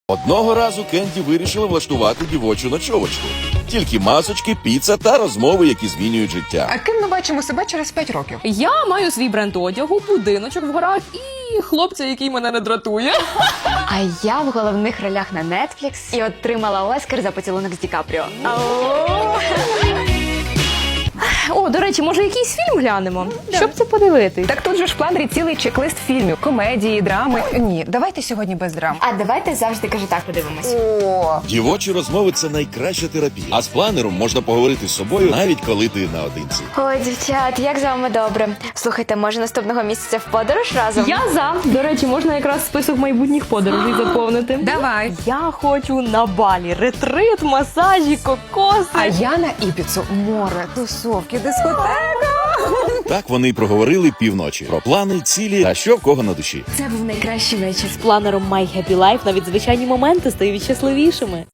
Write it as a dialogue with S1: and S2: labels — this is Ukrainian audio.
S1: Одного разу Кенді вирішила влаштувати дівочу ночовочку. Тільки масочки, піца та розмови, які змінюють життя.
S2: А ким ми бачимо себе через 5 років?
S3: Я маю свій бренд одягу, будиночок в горах і хлопця, який мене не дратує.
S4: А я в головних ролях на Netflix і отримала Оскар за поцілунок з Ді Капріо.
S3: О, до речі, може якийсь фільм глянемо? Щоб це подивитись.
S2: Так тут же ж в планері цілий чек-лист фільмів, комедії, драми. Ні, давайте сьогодні без драм.
S4: А давайте завжди кажу так подивимось.
S2: О,
S1: Дівочі розмови – це найкраща терапія. А з планером можна поговорити з собою, навіть коли ти наодинці.
S4: Ой, дівчат, як з вами добре. Слухайте, може наступного місяця в подорож разом?
S3: Я за. До речі, можна якраз список майбутніх подорожей заповнити.
S2: давай.
S3: Я хочу на Балі. Ретрит, масажі, кокоси.
S2: А я на Іпіцу. Море, тусовки, дискотека.
S1: Так вони й проговорили півночі. Про плани, цілі та що в кого на душі.
S4: Це був найкращий вечір.
S3: З планером My Happy Life навіть звичайні моменти стають щасливішими.